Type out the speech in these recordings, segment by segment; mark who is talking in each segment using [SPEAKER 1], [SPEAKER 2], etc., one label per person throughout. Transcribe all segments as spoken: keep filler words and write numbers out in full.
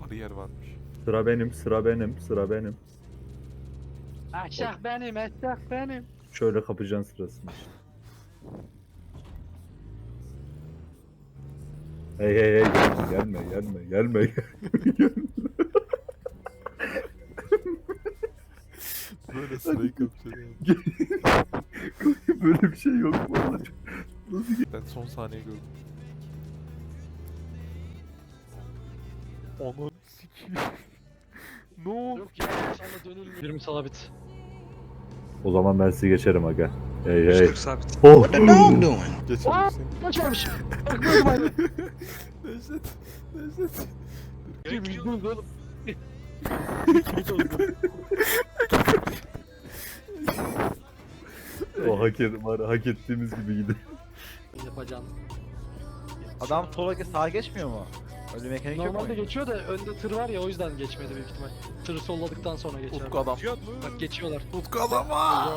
[SPEAKER 1] bariyer varmış.
[SPEAKER 2] Sıra benim, sıra benim, sıra benim.
[SPEAKER 3] Aşak benim, aşak benim.
[SPEAKER 2] Şöyle kapacaksın sırasını işte. Hey hey hey gelme gelme gelme gelme.
[SPEAKER 1] Böyle sırayı kapatıyor.
[SPEAKER 2] Böyle bir şey yok vallahi.
[SPEAKER 1] Ben son saniye gördüm. Ananı sikiyim. Ne oldu?
[SPEAKER 3] Yok ya, sonra dönülmüyor. yirmi sabit.
[SPEAKER 2] O zaman ben sizi geçerim aga. Hey hey.
[SPEAKER 4] yüz kırk sabit.
[SPEAKER 2] Oh.
[SPEAKER 5] What the dog doing?
[SPEAKER 1] Geçelim
[SPEAKER 3] Aa!
[SPEAKER 1] seni.
[SPEAKER 3] Kaçarmış. Bakmıyordum aynı.
[SPEAKER 1] Necdet. Necdet.
[SPEAKER 3] Kim yüzdünüz oğlum?
[SPEAKER 2] O hak, et, var, hak ettiğimiz gibi gidiyor.
[SPEAKER 3] Yapacağım.
[SPEAKER 6] Adam sola ge- sağa geçmiyor mu? Öyle mekanik yok mu?
[SPEAKER 3] Normalde geçiyor da önde tır var ya, o yüzden geçmedi büyük ihtimal. Tırı solladıktan sonra geçer.
[SPEAKER 1] Utku adam.
[SPEAKER 3] Bak geçiyorlar.
[SPEAKER 1] Utku adama.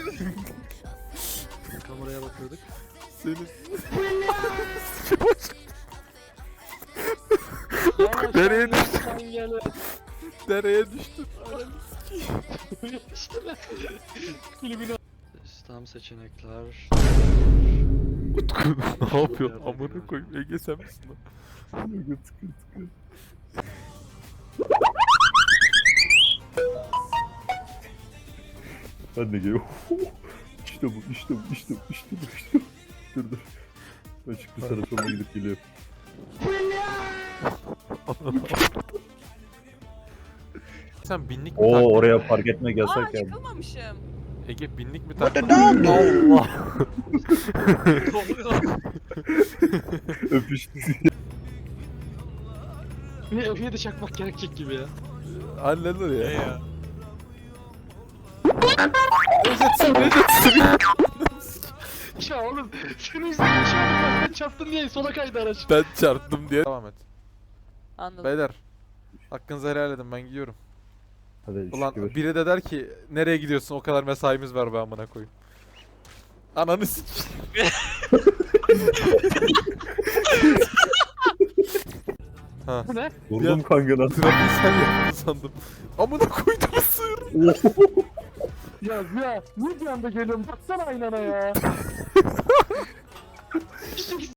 [SPEAKER 3] Kameraya bakıyorduk.
[SPEAKER 1] Senin.
[SPEAKER 3] Yavaş
[SPEAKER 1] Nereye
[SPEAKER 3] lan,
[SPEAKER 1] düştün?
[SPEAKER 3] sen gel.
[SPEAKER 1] Dereye düştüm.
[SPEAKER 3] Kulübüne. Sistem seçenekler.
[SPEAKER 1] Utku ne yapıyorsun? Amına koyayım. Ege sen misin lan?
[SPEAKER 2] Tıkır tıkır tıkır. Ben de geliyorum. İşte bu, işte bu, işte bu, işte bu, işte bu. Dur dur. Ben çıktı sana sonra gidip geliyorum.
[SPEAKER 1] Sen binlik mi
[SPEAKER 2] Oo
[SPEAKER 1] taktın?
[SPEAKER 2] oraya park etmek
[SPEAKER 7] Aa
[SPEAKER 2] yasak yani.
[SPEAKER 7] çıkamamışım.
[SPEAKER 1] Ege binlik mi
[SPEAKER 5] What the
[SPEAKER 1] taktın?
[SPEAKER 5] dog doing?
[SPEAKER 2] Öpüştü.
[SPEAKER 3] Yine F yedi çakmak gerekecek gibi ya.
[SPEAKER 1] Halleder ya.
[SPEAKER 4] ya?
[SPEAKER 3] Ya oğlum senin yüzünden bir şey oldu, bak ben çarptım diye sola kaydı araç.
[SPEAKER 1] Ben çarptım diye. Devam et.
[SPEAKER 7] Anladım.
[SPEAKER 1] Beyler. Hakkınızı helal edin, ben gidiyorum.
[SPEAKER 2] Hadi
[SPEAKER 1] Ulan
[SPEAKER 2] şükür.
[SPEAKER 1] biri de der ki nereye gidiyorsun, o kadar mesaimiz var be amına koyayım. Ananı sikeyim. Ha.
[SPEAKER 3] Bu ne?
[SPEAKER 2] Vurdum kanka lan.
[SPEAKER 1] Trafiği sen yaptın sandım. Amına koydum sığır.
[SPEAKER 3] Ya ya niye bir anda geliyorum, baksana aynana ya.